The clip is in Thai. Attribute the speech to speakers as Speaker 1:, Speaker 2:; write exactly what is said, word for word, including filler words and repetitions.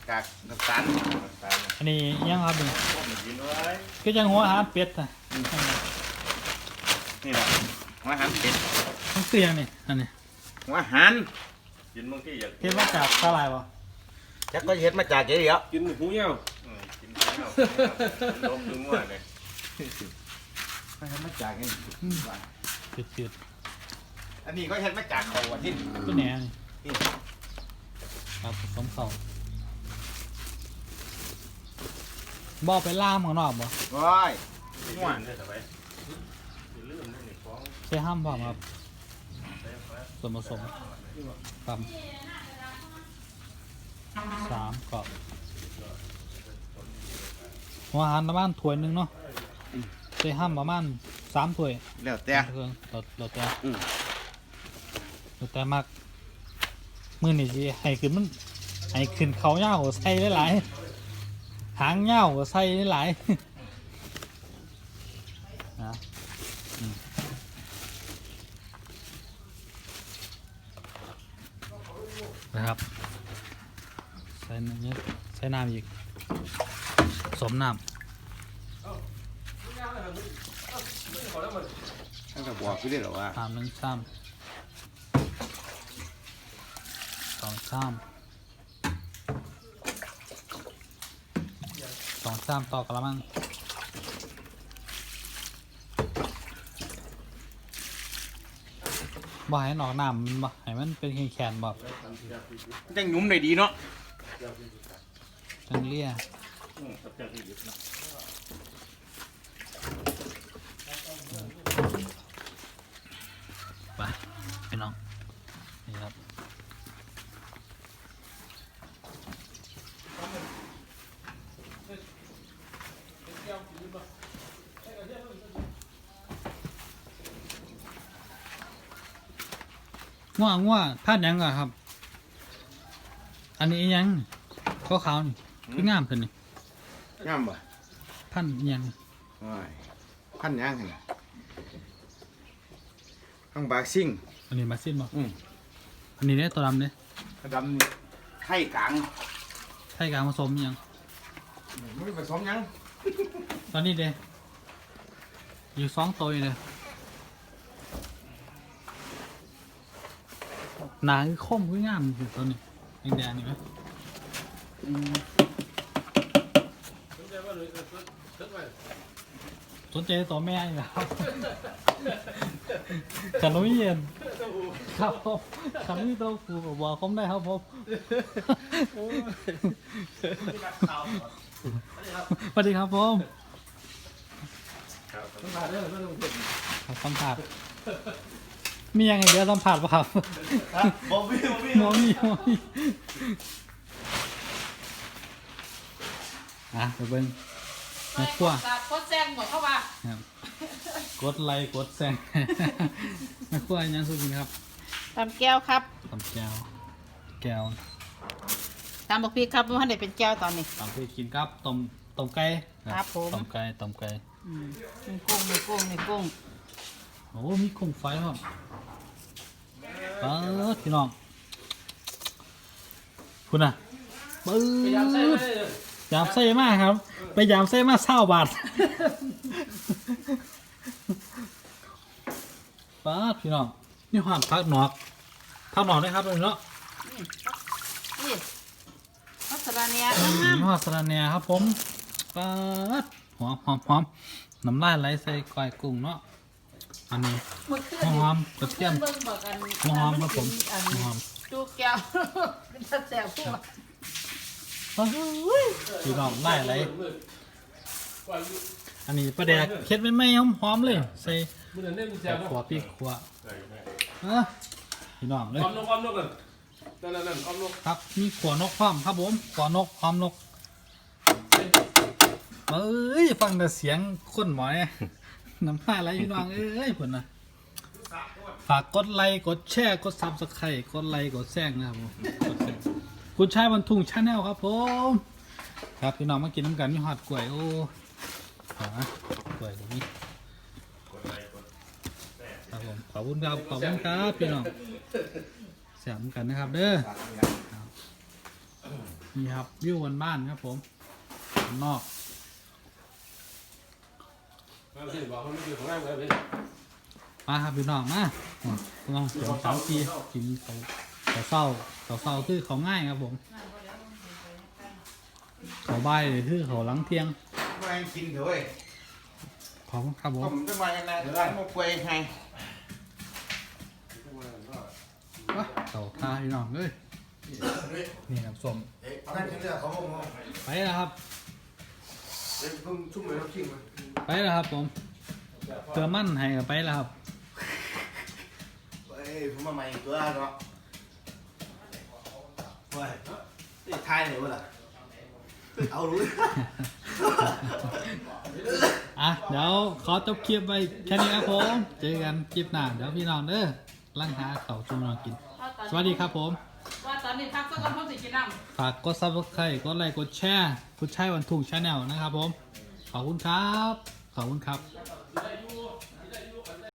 Speaker 1: กากน้ำตาล
Speaker 2: อันนี้ยังครับนี่ก็ยังหัวอาหารเป็ดอ่ะ
Speaker 1: นี่แหละหัวอาหารเป็ด
Speaker 2: มันคือยังนี่อันนี้
Speaker 1: หัวอาหาร
Speaker 3: กินบางทีอยาก
Speaker 2: เฮ็ดมาจากสาหร่ายวะ
Speaker 1: จักก็เฮ็ดมาจากเดี๋ยว
Speaker 3: กินหูเหี้ยวกินหูเหี้ยวลบถึงว่าเลย
Speaker 1: ไม่เฮ็ดมาจากนี่
Speaker 2: จืด
Speaker 1: ๆอันนี้ก็เฮ็ดมาจากเขาวันที่
Speaker 2: ตัวแหนนี่ครับผสมเขาบ่ไปล่ามข้างนอกบ่
Speaker 1: ว้าย
Speaker 3: ง่วนได้สบายลืมได้ในฟ้อง
Speaker 2: ใช้ห้ามบ่ครับส่วนผสมครับสามกรอบหัวอาหารประมาณถ้วยหนึ่งเนาะใช้ห้ามประมาณสามถ้วย
Speaker 1: แล้วแต่
Speaker 2: เครื่องเราเราแต่เราแต่มากมือนี่สิให้ขึ้นมันให้ขึ้นเขาเง่าใส่ได้หลายหางเง่าใส่ได้หลายนะนะครับใส่น้ำใส่น้ำอีกสมน้ำ
Speaker 1: ตั้งแต่บอกพี่ได้หรอว่า
Speaker 2: สามหนึ่งสามสองสามสองสามต่อกระมังบ่ให้หนอกน้ำมันบ่ให้มันเป็นแข็งๆบ่
Speaker 1: จังหนุ่มได้ดีเนาะ
Speaker 2: จังเลี่ยไปพี่น้องนี่ครับง่วงง่วงพลาดยังก่อนครับ อันนี้ยังขาวขาวนี่คืองามขึ้นนี่
Speaker 1: งามบ่
Speaker 2: พันยัง
Speaker 1: พันยังไงข้างบากซิ่ง
Speaker 2: อันนี้มาซิ่งบ่
Speaker 1: อืม
Speaker 2: อันนี้เนี่ยตัวดำเนี่ย
Speaker 1: ดำไข่กลาง
Speaker 2: ไข่กลางผสมยัง
Speaker 1: ไม่ผสมยัง
Speaker 2: ตอนนี้เด้อยู่สองตัวเลยหนาคือคมคืองามอยู่ตัวนี้แดงๆนี่ไหมสนใจตัวแม่อีกแล้วฉันไม่เย็นครับผมฉันไม่ต้องฟูกับบอกเขาได้ครับผมสวัสดีครับผมสัมผัสเรื่องสัมผัสมียังไงเดี๋ยวสัมผัสป่ะครับ
Speaker 1: บอมี่
Speaker 2: บอมี่บอมี่อ่ะไปเบิ้งมาขั้ว
Speaker 4: กดแซงหมดเข้ามา
Speaker 2: กดไลค์กดแซงมาขั้วยังสุกินครับ
Speaker 4: ตำแก้วครับ
Speaker 2: ตำแก้วแก้ว
Speaker 4: ตำบักพีครับมันได้เป็นแก้วตอนนี้
Speaker 2: ตำพีกินครับต้มต้มไก่
Speaker 4: ครับผม
Speaker 2: ต้มไก่ต้มไก่
Speaker 4: มีกุ้งมีกุ้งมีกุ้ง
Speaker 2: โอ้มีกุ้งไฟครับเปิดพี่น้องคุณน่ะเปิดยามไส้มากครับไปยามไส้มากเศร้าบาทเปิดพี่น้องนี่หอมพักหนอกพักหนอกได้ครับตรงนี้เนาะ
Speaker 4: นี่มัสลาเนีย
Speaker 2: นี่มัสลาเนียครับผมเปิดหอมหอมหอมน้ำลายไหลใส่ก้อยกุ้งเนาะอันนี้หอมกระเทียมหอมครับผมหอม
Speaker 4: จูแก้วเป็นตาแสบพวก
Speaker 2: พี่น้องได้ไรอันนี้ปลาแดกเค็ดไม่ไม่หอมหอมเลยใส่ขวบพี่ขวบพี่น้องเลยครับมีขวานกพร้อมครับผมขวานกพร้อมนกเอ้ยฟังแต่เสียงคนหมอยน้ำตาไหลพี่น้องเอ้ยผลนะฝากกดไลค์กดแชร์กดซับสไครต์กดไลค์กดแซงนะครับผมคุณชายบรรทุงชาแนลครับผมครับพี่น้องมากินน้ำกันมีหอดกล้วยโอ้หากล้วยตรงนี้ครับผมขอบคุณครับขอบคุณครับพี่น้องแซ่บกันนะครับเด้อนี่ครับวิวบ้านๆครับผมข้างนอก
Speaker 3: บอกเขาไม่คือของแรกเลยพี่
Speaker 2: มาครับพี่น้องมาอืมลองเสียงสามทีกินเขาเขาเศร้าเขาเศร้าคือเขาง่ายครับผมเขาใบายเลยคือเขาหลังเที่ยง
Speaker 1: มากินเถอะเว้ย
Speaker 2: ขอบคุณครับผ
Speaker 1: ผม มจะมากันนะเดี๋ยวร้านมาป่วยให้
Speaker 2: ว้าเขาท่าพี่น้องเอ้ยนี่น้ำส้ม
Speaker 1: เอ๊ะนั่นคือเรื่องของผม
Speaker 2: ไปแล้วครับ
Speaker 1: เดี๋ยวเพิ่งชุ่มเลยน้ำขิงมา
Speaker 2: ไปแล้วครับผมเจอมั่นให้กับไปแล้วครับ
Speaker 1: เฮ้ยผมมาใหม่ตัวเนาะเฮ้ยนี่ทายเลยวะล่ะเอารู้
Speaker 2: อ่ะเดี๋ยวขอจบคลิปไปแค่นี้ครับผมเจอกันคลิปหน้าเดี๋ยวพี่น้องเด้อร่างหาเขาวจุ่มเรากิน สวัสดีครับผม
Speaker 4: ว่าตอนนี้พักสักวันพ่อสิกินน้ำ
Speaker 2: ฝากกดซับสไครต์กดไลค์กดแชร์คุณชัยวันทุ่งชาแนลนะครับผม ขอบคุณครับ ขอบคุณครับ